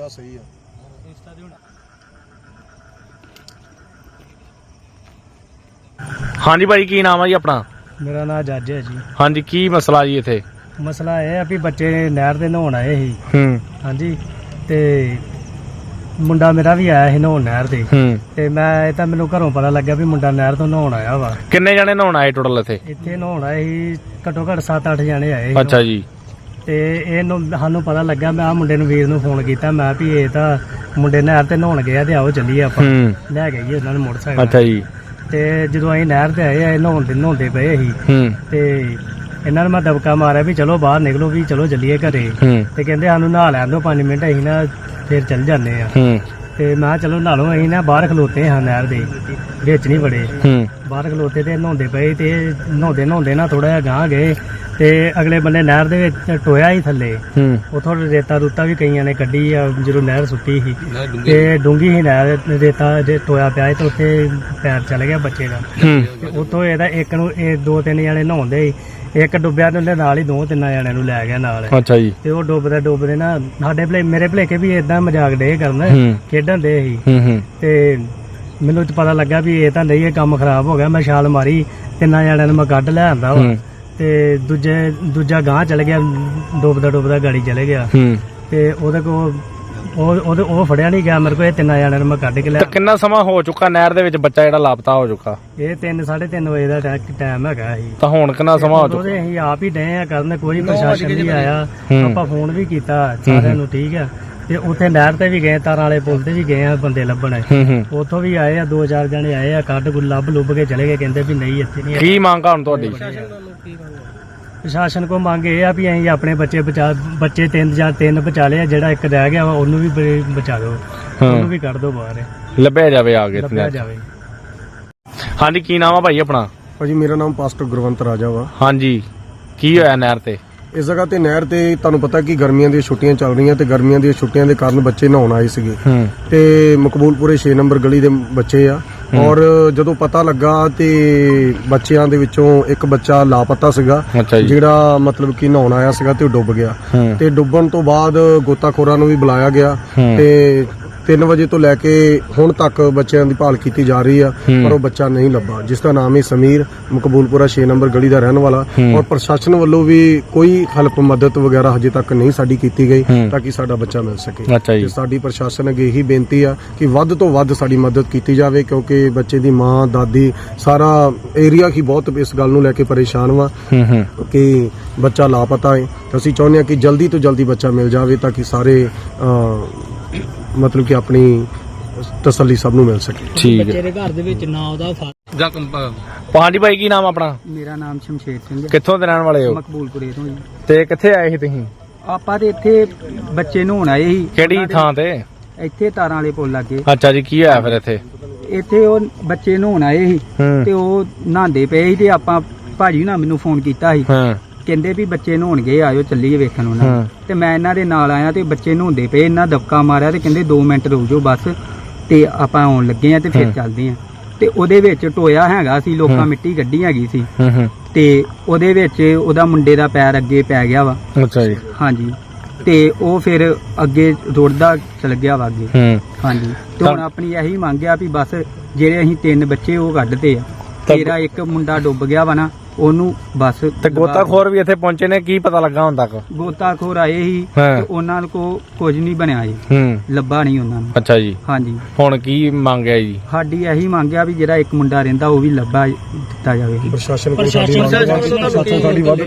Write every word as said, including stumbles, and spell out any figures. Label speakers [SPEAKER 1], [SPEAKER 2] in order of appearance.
[SPEAKER 1] ਆ ਸਹੀ ਆ।
[SPEAKER 2] ਹਾਂਜੀ ਭਾਈ ਕੀ ਨਾਮ ਆ ਜੀ ਆਪਣਾ?
[SPEAKER 3] ਮੇਰਾ ਨਾਮ ਜੱਜ ਹੈ ਜੀ।
[SPEAKER 2] ਹਾਂਜੀ ਕੀ ਮਸਲਾ ਜੀ ਇੱਥੇ?
[SPEAKER 3] ਮਸਲਾ ਇਹ ਆ ਵੀ ਬੱਚੇ ਨਹਿਰ ਦੇ ਨਹਾਉਣ ਆਏ ਸੀ।
[SPEAKER 2] ਹੂੰ
[SPEAKER 3] ਹਾਂਜੀ ਤੇ ਮੁੰਡਾ ਮੇਰਾ ਵੀ ਆਇਆ ਸੀ ਨਹਾਉਣ ਨਹਿਰ ਤੇ।
[SPEAKER 2] ਹੂੰ
[SPEAKER 3] ਤੇ ਮੈਂ ਇਹ ਤਾਂ ਮੈਨੂੰ ਘਰੋਂ ਪਤਾ ਲੱਗਿਆ ਵੀ ਮੁੰਡਾ ਨਹਿਰ ਤੋਂ ਨਹਾਉਣ ਆਇਆ ਵਾ।
[SPEAKER 2] ਕਿੰਨੇ ਜਣੇ ਨਹਾਉਣ ਆਏ ਟੋਟਲ ਇੱਥੇ?
[SPEAKER 3] ਇੱਥੇ ਨਹਾਉਣ ਆਏ ਸੀ ਘੱਟੋ ਘੱਟ ਸੱਤ ਅੱਠ ਜਣੇ ਆਏ ਸੀ।
[SPEAKER 2] ਅੱਛਾ ਜੀ।
[SPEAKER 3] ਤੇ ਇਹਨੂੰ ਸਾਨੂੰ ਪਤਾ ਲੱਗਾ, ਮੈਂ ਆ ਮੁੰਡੇ ਨੂੰ ਵੀਰ ਨੂੰ ਫੋਨ ਕੀਤਾ, ਮੈਂ ਵੀ ਇਹ ਤਾਂ ਮੁੰਡੇ ਨਹਿਰ ਤੇ ਨਹਾਉਣ ਗਏ ਤੇ ਆਓ ਚੱਲੀਏ ਆਪਾਂ।
[SPEAKER 2] ਹੂੰ
[SPEAKER 3] ਲੈ ਗਏ ਜੀ ਉਹਨਾਂ ਨੇ ਮੋਟਰਸਾਈਕਲ।
[SPEAKER 2] ਅੱਛਾ ਜੀ।
[SPEAKER 3] ਤੇ ਜਦੋਂ ਅਸੀਂ ਨਹਿਰ ਤੇ ਆਏ ਆ ਨਹਾਉਣ ਦੇ ਨਹਾਉਂਦੇ ਪਏ ਸੀ
[SPEAKER 2] ਹੂੰ
[SPEAKER 3] ਤੇ ਇਹਨਾਂ ਨੇ ਮੈਂ ਦਬਕਾ ਮਾਰਿਆ ਵੀ ਚਲੋ ਬਾਹਰ ਨਿਕਲੋ ਵੀ ਚਲੋ ਚੱਲੀਏ ਘਰੇ।
[SPEAKER 2] ਹੂੰ
[SPEAKER 3] ਤੇ ਕਹਿੰਦੇ ਸਾਨੂੰ ਨਹਾ ਲੈਣ ਦਿਓ ਪੰਜ ਮਿੰਟ, ਅਸੀਂ ਨਾ ਫਿਰ ਚੱਲ ਜਾਂਦੇ ਆ।
[SPEAKER 2] ਹੂੰ
[SPEAKER 3] ਤੇ ਮੈਂ ਕਿਹਾ ਚਲੋ ਨਹਾ ਲਓ। ਅਸੀਂ ਨਾ ਬਾਹਰ ਖਲੋਤੇ ਹਾਂ ਨਹਿਰ ਦੇ ਵਿੱਚ ਨਹੀਂ ਬੜੇ,
[SPEAKER 2] ਹੂੰ
[SPEAKER 3] ਬਾਹਰ ਖਲੋਤੇ ਤੇ ਨਹਾਉਂਦੇ ਪਏ। ਤੇ ਨਹਾਉਂਦੇ ਨਹਾਉਂਦੇ ਨਾ ਥੋੜਾ ਜਿਹਾ ਗਾਂਹ ਗਏ ਤੇ ਅਗਲੇ ਬੰਨੇ ਨਹਿਰ ਦੇ ਵਿੱਚ ਟੋਇਆ ਹੀ ਥੱਲੇ।
[SPEAKER 2] ਹੂੰ
[SPEAKER 3] ਉਥੋਂ ਰੇਤਾ ਰੂਤਾ ਵੀ ਕਈਆਂ ਨੇ ਕੱਢੀ ਆ ਜਦੋਂ ਨਹਿਰ ਸੁੱਟੀ ਸੀ। ਤੇ ਡੂੰਗੀ ਸੀ ਨਹਿਰ, ਰੇਤਾ ਜੇ ਟੋਇਆ ਪਿਆ ਸੀ ਤੇ ਉੱਥੇ ਪੈਰ ਚਲ ਗਿਆ ਬੱਚੇ ਦਾ।
[SPEAKER 2] ਹੂੰ
[SPEAKER 3] ਤੇ ਉੱਥੋਂ ਇਹਦਾ ਇੱਕ ਨੂੰ ਇਹ ਦੋ ਤਿੰਨ ਜਣੇ ਨਹਾਉਂਦੇ ਸੀ, ਇੱਕ ਡੁੱਬਿਆ ਤੇ ਉਹਦੇ ਨਾਲ ਹੀ ਦੋ ਤਿੰਨਾਂ ਜਣਿਆਂ ਨੂੰ ਲੈ ਗਿਆ ਨਾਲ।
[SPEAKER 2] ਅੱਛਾ ਜੀ।
[SPEAKER 3] ਤੇ ਉਹ ਡੁੱਬਦੇ ਡੁੱਬਦੇ ਨਾ ਸਾਡੇ ਭਲੇ ਮੇਰੇ ਭਲੇਕੇ ਵੀ ਏਦਾਂ ਮਜ਼ਾਕ ਡੇ ਕਰਨ,
[SPEAKER 2] ਹੂੰ
[SPEAKER 3] ਖੇਡਣ ਦੇ ਸੀ।
[SPEAKER 2] ਹੂੰ ਹੂੰ
[SPEAKER 3] ਤੇ ਮੈਨੂੰ ਤਾਂ ਪਤਾ ਲੱਗਾ ਵੀ ਇਹ ਤਾਂ ਨਹੀਂ, ਇਹ ਕੰਮ ਖਰਾਬ ਹੋ ਗਿਆ। ਮੈਂ ਛਾਲ ਮਾਰੀ, ਤਿੰਨਾਂ ਜਣਿਆਂ ਨੂੰ ਮੈਂ ਕੱਢ ਲੈ ਆਂਦਾ ਵਾ।
[SPEAKER 2] ਹੂੰ
[SPEAKER 3] ਤੇ ਦੂਜੇ ਦੂਜਾ ਗਾਂਹ ਚਲ ਗਿਆ, ਡੁੱਬਦਾ ਡੁੱਬਦਾ ਗਾੜੀ ਚਲੇ ਗਿਆ।
[SPEAKER 2] ਹੂੰ
[SPEAKER 3] ਤੇ ਉਹਦੇ ਕੋਲ ਉਹ ਉਹਦੇ ਉਹ ਫੜਿਆ ਨਹੀਂ ਗਿਆ ਮੇਰੇ ਕੋਲ। ਇਹ ਤਿੰਨਾਂ ਜਣਿਆਂ ਨੂੰ ਮੈਂ ਕੱਢ ਕੇ ਲਿਆ।
[SPEAKER 2] ਤਾਂ ਕਿੰਨਾ ਸਮਾਂ ਹੋ ਚੁੱਕਾ ਨਹਿਰ ਦੇ ਵਿੱਚ ਬੱਚਾ ਜਿਹੜਾ ਲਾਪਤਾ ਹੋ ਚੁੱਕਾ?
[SPEAKER 3] ਇਹ ਤਿੰਨ ਸਾਢੇ ਤਿੰਨ ਵਜੇ ਦਾ ਟਾਈਮ ਹੈਗਾ ਸੀ।
[SPEAKER 2] ਤਾਂ ਹੁਣ ਕਿੰਨਾ ਸਮਾਂ ਹੋ ਚੁੱਕਾ?
[SPEAKER 3] ਉਹਦੇ ਅਸੀਂ ਆਪ ਹੀ ਡਏ ਆ ਕਰਨ, ਕੋਈ ਪ੍ਰਸ਼ਾਸਨ ਨਹੀਂ ਆਇਆ।
[SPEAKER 2] ਹੂੰ।
[SPEAKER 3] ਆਪਾਂ ਫੋਨ ਵੀ ਕੀਤਾ ਸਾਰਿਆਂ ਨੂੰ, ਠੀਕ ਆ। ਤੇ ਉੱਥੇ ਨਹਿਰ ਤੇ ਵੀ ਗਏ, ਤਾਰਾਂ ਵਾਲੇ ਪੁਲ ਤੇ ਵੀ ਗਏ ਆ ਬੰਦੇ ਲੱਭਣ।
[SPEAKER 2] ਹੂੰ ਹੂੰ
[SPEAKER 3] ਉੱਥੋਂ ਵੀ ਆਏ ਆ, ਦੋ ਚਾਰ ਜਣੇ ਆਏ ਆ, ਕੱਢ ਗੁੱਲ ਲੱਭ ਲੁੱਭ ਕੇ ਚਲੇ ਗਏ। ਕਹਿੰਦੇ ਵੀ ਨਹੀਂ ਇੱਥੇ ਨਹੀਂ।
[SPEAKER 2] ਕੀ ਮੰਗ ਆ ਹੁਣ ਤੁਹਾਡੀ?
[SPEAKER 3] ਪ੍ਰਸ਼ਾਸਨ ਕੋ ਮੰਗ ਇਹ ਆ ਵੀ ਅਸੀਂ ਆਪਣੇ ਬੱਚੇ ਬਚਾ ਬੱਚੇ ਤਿੰਨ ਜਾਂ ਤਿੰਨ ਬਚਾ ਲਿਆ, ਜਿਹੜਾ ਇੱਕ ਰਹਿ ਗਿਆ ਵਾ ਉਹਨੂੰ ਵੀ ਬ- ਬਚਾ ਦਿਓ, ਉਹਨੂੰ ਵੀ ਕੱਢ ਦਿਓ ਬਾਹਰ,
[SPEAKER 2] ਲੱਭਿਆ ਜਾਵੇ ਆ ਕੇ
[SPEAKER 3] ਲੱਭਿਆ ਜਾਵੇ।
[SPEAKER 2] ਹਾਂਜੀ ਕੀ ਨਾਮ ਆ ਭਾਈ ਆਪਣਾ?
[SPEAKER 1] ਭਾਜੀ ਮੇਰਾ ਨਾਮ ਪਾਸਟਰ ਗੁਰਵੰਤ ਰਾਜਾ ਵਾ।
[SPEAKER 2] ਹਾਂਜੀ ਕੀ ਹੋਇਆ ਨਹਿਰ ਤੇ?
[SPEAKER 1] ਇਸ ਜਗ੍ਹਾ ਤੇ ਨਹਿਰ ਤੇ ਤੁਹਾਨੂੰ ਪਤਾ ਕਿ ਗਰਮੀਆਂ ਦੀਆਂ ਛੁੱਟੀਆਂ ਚੱਲ ਰਹੀਆਂ ਤੇ ਗਰਮੀਆਂ ਦੀਆਂ ਛੁੱਟੀਆਂ ਦੇ ਕਾਰਨ ਬੱਚੇ ਨਹਾਉਣ ਆਏ ਸੀਗੇ।
[SPEAKER 2] ਹੂੰ
[SPEAKER 1] ਤੇ ਮਕਬੂਲਪੁਰੇ ਛੇ ਨੰਬਰ ਗਲੀ ਦੇ ਬੱਚੇ ਆ। ਔਰ ਜਦੋਂ ਪਤਾ ਲੱਗਾ ਤੇ ਬੱਚਿਆਂ ਦੇ ਵਿੱਚੋਂ ਇੱਕ ਬੱਚਾ ਲਾਪਤਾ ਸੀਗਾ,
[SPEAKER 2] ਅੱਛਾ ਜੀ।
[SPEAKER 1] ਜਿਹੜਾ ਮਤਲਬ ਕਿ ਨਹਾਉਣ ਆਇਆ ਸੀਗਾ ਤੇ ਉਹ ਡੁੱਬ ਗਿਆ।
[SPEAKER 2] ਹੂੰ
[SPEAKER 1] ਤੇ ਡੁੱਬਣ ਤੋਂ ਬਾਅਦ ਗੋਤਾਖੋਰਾਂ ਨੂੰ ਵੀ ਬੁਲਾਇਆ ਗਿਆ
[SPEAKER 2] ਹੂੰ।
[SPEAKER 1] ਤੇ ਤਿੰਨ ਵਜੇ ਤੋਂ ਲੈ ਕੇ ਹੁਣ ਤੱਕ ਬੱਚਿਆਂ ਦੀ ਭਾਲ ਕੀਤੀ ਜਾ ਰਹੀ ਆ,
[SPEAKER 2] ਹੂੰ।
[SPEAKER 1] ਪਰ ਉਹ ਬੱਚਾ ਨਹੀਂ ਲੱਭਾ, ਜਿਸ ਦਾ ਨਾਮ ਹੈ ਸਮੀਰ, ਮਕਬੂਲਪੁਰਾ ਛੇ ਨੰਬਰ ਗਲੀ ਦਾ ਰਹਿਣ ਵਾਲਾ।
[SPEAKER 2] ਹੂੰ।
[SPEAKER 1] ਔਰ ਪ੍ਰਸ਼ਾਸਨ ਵੱਲੋਂ ਵੀ ਕੋਈ ਹੈਲਪ ਮਦਦ ਵਗੈਰਾ ਹਜੇ ਤੱਕ ਨਹੀਂ ਸਾਡੀ ਕੀਤੀ ਗਈ
[SPEAKER 2] ਹੂੰ।
[SPEAKER 1] ਤਾਂ ਕਿ ਸਾਡਾ ਬੱਚਾ ਮਿਲ ਸਕੇ।
[SPEAKER 2] ਅੱਛਾ ਜੀ।
[SPEAKER 1] ਤੇ ਸਾਡੀ ਪ੍ਰਸ਼ਾਸਨ ਅੱਗੇ ਇਹੀ ਬੇਨਤੀ ਆ ਕਿ ਵੱਧ ਤੋਂ ਵੱਧ ਸਾਡੀ ਮਦਦ ਕੀਤੀ ਜਾਵੇ, ਕਿਉਂਕਿ ਬੱਚੇ ਦੀ ਮਾਂ, ਦਾਦੀ, ਸਾਰਾ ਏਰੀਆ ਹੀ ਬਹੁਤ ਇਸ ਗੱਲ ਨੂੰ ਲੈ ਕੇ ਪਰੇਸ਼ਾਨ ਵਾ
[SPEAKER 2] ਹੂੰ ਹੂੰ
[SPEAKER 1] ਕਿ ਬੱਚਾ ਲਾਪਤਾ ਹੈ। ਅਸੀਂ ਚਾਹੁੰਦੇ ਹਾਂ ਕਿ ਜਲਦੀ ਤੋਂ ਜਲਦੀ ਬੱਚਾ ਮਿਲ ਜਾਵੇ ਤਾਂ ਕਿ ਸਾਰੇ ਅਹ, ਮਤਲਬ ਕਿ ਆਪਣੀ ਤਸੱਲੀ ਸਭ ਨੂੰ ਮਿਲ ਸਕੇ।
[SPEAKER 2] ਠੀਕ ਹੈ।
[SPEAKER 3] ਬੱਚੇ ਦੇ ਘਰ ਦੇ ਵਿੱਚ ਨਾ ਉਹਦਾ
[SPEAKER 2] ਹਾਂਜੀ ਭਾਈ ਕੀ ਨਾਮ ਆਪਣਾ?
[SPEAKER 3] ਮੇਰਾ ਨਾਮ ਸ਼ਮਸ਼ੇਰ ਸਿੰਘ ਹੈ,
[SPEAKER 2] ਕਿੱਥੋਂ ਦੇ ਰਹਿਣ ਵਾਲੇ ਹੋ?
[SPEAKER 3] ਮਕਬੂਲਪੁਰੇ ਤੋਂ ਜੀ।
[SPEAKER 2] ਤੇ ਕਿੱਥੇ ਆਏ ਸੀ ਤੁਸੀਂ?
[SPEAKER 3] ਆਪਾਂ ਤੇ ਇੱਥੇ ਬੱਚੇ ਨਹਾਉਣ ਆਏ ਸੀ।
[SPEAKER 2] ਕਿਹੜੀ ਥਾਂ ਤੇ?
[SPEAKER 3] ਇੱਥੇ ਤਾਰਾਂ ਵਾਲੇ ਪੁੱਲ ਲੱਗੇ।
[SPEAKER 2] ਅੱਛਾ ਜੀ ਕੀ ਹੋਇਆ ਫਿਰ ਇੱਥੇ?
[SPEAKER 3] ਇੱਥੇ ਉਹ ਬੱਚੇ ਨਹਾਉਣ ਆਏ ਸੀ
[SPEAKER 2] ਹੂੰ
[SPEAKER 3] ਤੇ ਉਹ ਨਹਾਉਂਦੇ ਪਏ ਸੀ ਤੇ ਆਪਾਂ ਭਾਜੀ ਨਾਲ ਮੈਨੂੰ ਫੋਨ ਕੀਤਾ ਸੀ,
[SPEAKER 2] ਹਾਂ
[SPEAKER 3] ਕਹਿੰਦੇ ਵੀ ਬੱਚੇ ਨਹਾਉਣ ਗਏ, ਆਇਓ ਚੱਲੀਏ ਵੇਖਣ ਉਹਨਾਂ ਨੂੰ।
[SPEAKER 2] ਹਾਂ।
[SPEAKER 3] ਤੇ ਮੈਂ ਇਹਨਾਂ ਦੇ ਨਾਲ ਆਇਆ ਤੇ ਬੱਚੇ ਨਹਾਉਂਦੇ ਪਏ, ਇਹਨਾਂ ਦਬਕਾ ਮਾਰਿਆ ਤੇ ਕਹਿੰਦੇ ਦੋ ਮਿੰਟ ਰੁਕ ਜਾਓ ਬਸ, ਤੇ ਆਪਾਂ ਆਉਣ ਲੱਗੇ ਆ ਤੇ ਫਿਰ
[SPEAKER 2] ਹਾਂ।
[SPEAKER 3] ਚੱਲਦੇ ਆ। ਤੇ ਉਹਦੇ ਵਿੱਚ ਟੋਇਆ ਹੈਗਾ ਸੀ, ਲੋਕਾਂ
[SPEAKER 2] ਹਾਂ।
[SPEAKER 3] ਮਿੱਟੀ ਗੱਡੀ ਹੈਗੀ ਸੀ
[SPEAKER 2] ਹੂੰ ਹੂੰ
[SPEAKER 3] ਤੇ ਉਹਦੇ ਵਿੱਚ ਉਹਦਾ ਮੁੰਡੇ ਦਾ ਪੈਰ ਅੱਗੇ ਪੈ ਗਿਆ ਵਾ।
[SPEAKER 2] ਅੱਛਾ ਜੀ।
[SPEAKER 3] ਹਾਂਜੀ ਤੇ ਉਹ ਫਿਰ ਅੱਗੇ ਰੁੜਦਾ ਚਲ ਗਿਆ ਵਾ ਅੱਗੇ।
[SPEAKER 2] ਹੂੰ
[SPEAKER 3] ਹਾਂਜੀ ਤੇ ਹੁਣ ਆਪਣੀ ਇਹੀ ਮੰਗ ਆ ਵੀ ਬਸ ਜਿਹੜੇ ਅਸੀਂ ਤਿੰਨ ਬੱਚੇ ਉਹ ਕੱਢਦੇ ਆ,
[SPEAKER 2] ਤਾਂ-
[SPEAKER 3] ਤੇਰਾ ਇੱਕ ਮੁੰਡਾ ਡੁੱਬ ਗਿਆ ਵਾ ਨਾ, ਉਹਨੂੰ ਬਸ
[SPEAKER 2] ਤੇ ਗੋਤਾਖੋਰ ਵੀ ਇੱਥੇ ਪਹੁੰਚੇ ਨੇ, ਕੀ ਪਤਾ ਲੱਗਾ ਹੁਣ ਤੱਕ?
[SPEAKER 3] ਗੋਤਾਖੋਰ ਆਏ ਸੀ
[SPEAKER 2] ਹਾਂ।
[SPEAKER 3] ਤੇ ਉਹਨਾਂ ਕੋ ਕੁਝ ਨਹੀਂ ਬਣਿਆ ਜੀ,
[SPEAKER 2] ਹੂੰ
[SPEAKER 3] ਲੱਭਾ ਨਹੀਂ ਉਹਨਾਂ ਨੂੰ।
[SPEAKER 2] ਅੱਛਾ ਜੀ।
[SPEAKER 3] ਹਾਂਜੀ
[SPEAKER 2] ਹੁਣ ਕੀ ਮੰਗਿਆ ਜੀ?
[SPEAKER 3] ਸਾਡੀ ਇਹੀ ਮੰਗ ਆ ਵੀ ਜਿਹੜਾ ਇੱਕ ਮੁੰਡਾ ਰਹਿੰਦਾ ਉਹ ਵੀ ਲੱਭਾ ਦਿੱਤਾ ਜਾਵੇ।
[SPEAKER 1] ਪ੍ਰਸ਼ਾਸਨ ਕੋਲ ਸਾਡੀ ਵੱਧ- ਸਾਡੀ ਵੱਧ